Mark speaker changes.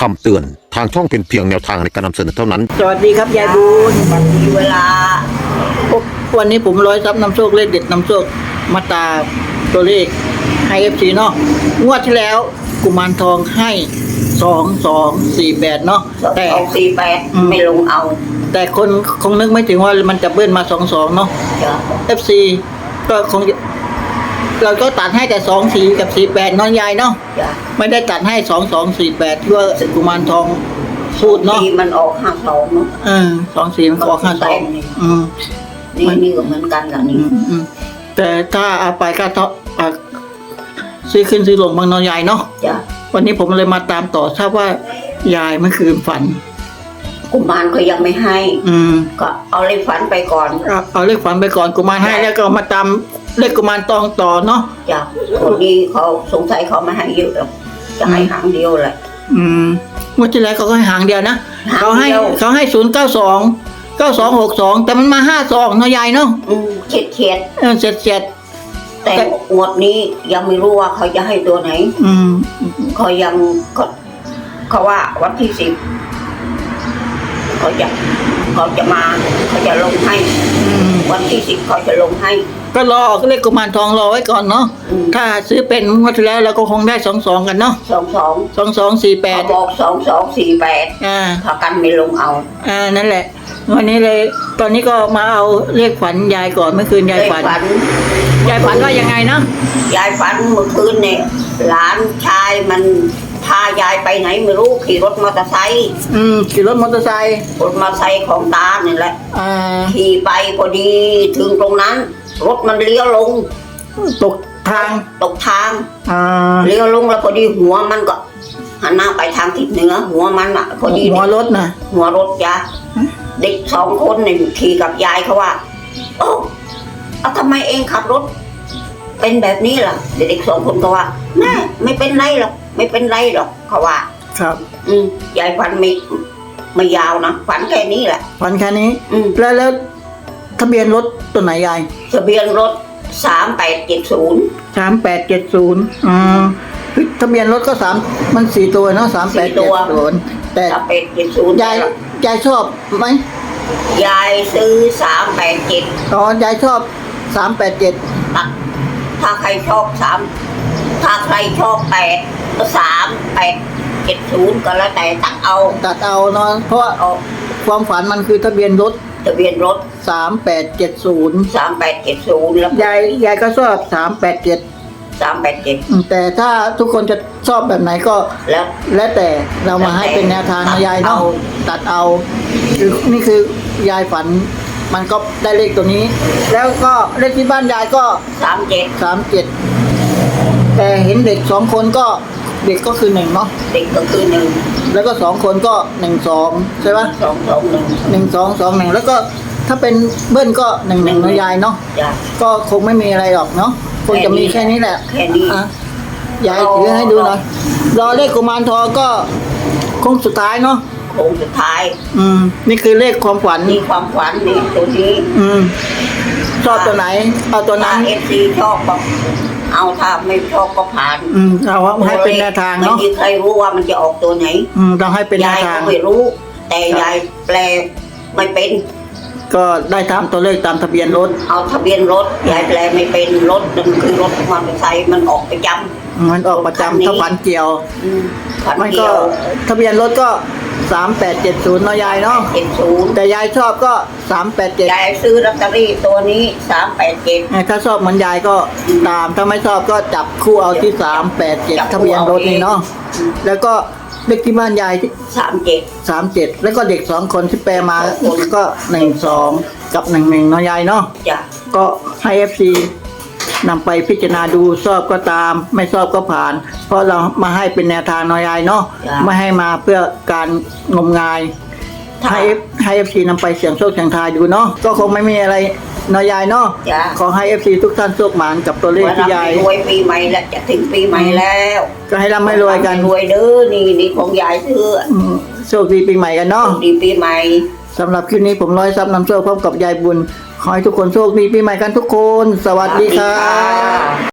Speaker 1: คำเตือนทางช่องเป็นเพียงแนวทางในการนำเสนอเท่านั้น
Speaker 2: สวัสดีครับยายบุญ
Speaker 3: วันนี้เวลา
Speaker 2: วันนี้ผมร้อยซับนำโชคเลขเด็ดนำโชคมาตามตัวเลขให้FCเนาะงวดที่แล้วกุมารทองให้2248เนาะแต่
Speaker 3: 248ไม่ลงเอา
Speaker 2: แต่คนคงนึกไม่ถึงว่ามันจะเบิ้ลมา22เนาะ
Speaker 3: จ้ะ
Speaker 2: FC ก็คงเราก็ตัดให้แต่24กับ48เนาะยายเนาะ
Speaker 3: จ้ะ
Speaker 2: ไม่ได้ตัดให้2248ที่ว่ากุมารทองพูดเนาะ
Speaker 3: ทีมันออก52เนาะ
Speaker 2: 24มันก็ออก52
Speaker 3: นี่ก็เหมือนกันล่ะนี่
Speaker 2: แต่ถ้าเอาไปก็ต้องซื้อขึ้นซื้อลงบางนอยายเนาะ
Speaker 3: จ้ะ
Speaker 2: วันนี้ผมเลยมาตามต่อทราบว่ายายเมื่อคืนฝัน
Speaker 3: กุมารก็ยังไม่ให้ ก็เอาเลยฝันไปก่อน
Speaker 2: เอาเลขฝันไปก่อนกุมารให้แล้วก็มาตามเลขกุมารตองต่อเนาะ
Speaker 3: จ้ะคนนี้เขาสงสัยเขาไม่ให้เยอะหรอกจะให้หางเดียวแหละ
Speaker 2: เมื่อที่แล้วเขาก็ให้หางเดียวนะ
Speaker 3: หาง
Speaker 2: เขาให้
Speaker 3: เดียว
Speaker 2: 092 9262แต่มันมา52เนาะยายเนาะ
Speaker 3: เฉียด
Speaker 2: เจ็ด
Speaker 3: แต่งวดนี้ยังไม่รู้ว่าเขาจะให้ตัวไหนเขายังเขาว่าวันที่10เขาจะมาเขาจะลงให้วันที่10เขาจะลงให้
Speaker 2: ก็รอเลขกุมารทองรอไว้ก่อนเนาะ ถ้าซื้อเป็นงวดที่แล้วเราก็คงได้22กันเนาะ
Speaker 3: 22เขาบอก2248ถ้ากันไม่ลงเอา
Speaker 2: นั่นแหละวันนี้เลยตอนนี้ก็มาเอาเลขฝันยายก่อนเมื่อคืนยายฝันยายฝันว่ายังไงนะ
Speaker 3: ยายฝันเมื่อคืนเนี่ยหลานชายมันพายายไปไหนไม่รู้ขี่รถมอเตอร์ไซค์
Speaker 2: ขี่รถมอเตอร์ไซค์
Speaker 3: รถมอเตอร์ไซค์ของตาเนี่ยแหละ ขี่ไปพอดีถึงตรงนั้น รถมันเลี้ยวลง
Speaker 2: ตกทาง
Speaker 3: เลี้ยวลงแล้วพอดีหัวมันก็หันหน้าไปทางทิศเหนือหัวมันอ่ะพอดี
Speaker 2: หัวรถนะ
Speaker 3: หัวรถจ้ะเด็ก2 คนเนี่ยขี่กับยายเขาว่าโอ้ทำไมเองขับรถเป็นแบบนี้ล่ะเด็ก2 คนก็ว่าแม่ไม่เป็นไรหรอกไม่เป็นไรหรอกเขาว่า
Speaker 2: ครับ
Speaker 3: ยายฝันไม่ยาวนะฝันแค่นี้แหละ
Speaker 2: ฝันแค่นี้แล้วทะเบียนรถตัวไหนยาย
Speaker 3: ทะเบียนรถ3870
Speaker 2: 3870ทะเบียนรถก็มัน4 ตัวเนาะ3870แต่
Speaker 3: 3870
Speaker 2: ยายชอบไหม
Speaker 3: ยายซื้อ387
Speaker 2: ยายชอบ387
Speaker 3: ถ้าใครชอบ8ก็3870ก็แล้วแต่ตัดเอา
Speaker 2: เนาะเพราะความฝันมันคือทะเบียนรถ3870แล้วยายก็ชอบ387แต่ถ้าทุกคนจะชอบแบบไหนก็แล้วแต่เรามาให้เป็นแนวทางนะยายเนาะตัดเอานี่คือยายฝันมันก็ได้เลขตัวนี้ แล้วก็เลขที่บ้านยายก็37แต่เห็นเด็ก2 คนก็เด็กก็คือ1เนาะ
Speaker 3: เด็กก็คือ1
Speaker 2: แล้วก็2 คนก็12ใช่ปะ1221แล้วก็ถ้าเป็นเบิ้ลก็11นะยายเนาะก็คงไม่มีอะไรหรอกเนาะคงจะมีแค่นี้แหละ
Speaker 3: แค่นี้
Speaker 2: ยายถือให้ดูหน่อยรอเลขกุมารทองก็คงสุดท้ายเนาะ
Speaker 3: โค้งสุดท้าย
Speaker 2: นี่คือเลขความฝัน
Speaker 3: นี่ความฝันนี่ตัวนี้
Speaker 2: ชอบตัวไหนเอาตัวนั้น
Speaker 3: FC ชอบก็เอาถ้าไม่ชอบก็ผ่าน
Speaker 2: เอาให้เป็นแนวทางเนาะ
Speaker 3: ไม่มีใครรู้ว่ามันจะออกตัวไหน
Speaker 2: ต้องให้เป็นแนวทาง
Speaker 3: ยายก็ไม่รู้แต่ยายแปลไม่เป็น
Speaker 2: ก็ได้ตามตัวเลขตามทะเบียนรถ
Speaker 3: เอาทะเบียนรถยายแปลไม่เป็นรถนั่นคือรถมอเตอร์ไซค์มันออกประจำ
Speaker 2: ถ้าฝันเกี่ยวมันก็ทะเบียนรถก็3870เนาะยายเนาะ
Speaker 3: 70
Speaker 2: แต่ยายชอบก็387
Speaker 3: ยายซื้อลอตเตอรี่ตัวนี้387
Speaker 2: ถ้าชอบเหมือนยายก็ตามถ้าไม่ชอบก็จับคู่เอาที่387ทะเบียนรถนี่เนาะแล้วก็เลขที่บ้านยาย37แล้วก็เด็ก2 คนที่แปลมาก็12กับ11เนาะยายเนาะก็ให้ FC นำไปพิจารณาดูชอบก็ตามไม่ชอบก็ผ่านเพราะเรามาให้เป็นแนวทางน้อยายเนาะไม่ให้มาเพื่อการงมงายให้ FC นำไปเสี่ยงโชคเสี่ยงทายดูเนาะก็คงไม่มีอะไรน้อยายเนาะขอให้ FC ทุกท่านโชคหมานกับตัวเลขที่ยาย
Speaker 3: รวยปีใหม่แล้วจะถึงปีใหม่แล้ว
Speaker 2: ก็ให้ร่ำให้รวยกัน
Speaker 3: รวยเด้อนี่ของยายซื้อ
Speaker 2: โชคดีปีใหม่กันเนาะ
Speaker 3: ดีปีใหม่
Speaker 2: สำหรับคลิปนี้ผมร้อยซับนำโชคพร้อมกับยายบุญขอให้ทุกคนโชคดีปีใหม่กันทุกคนสวัสดีครับ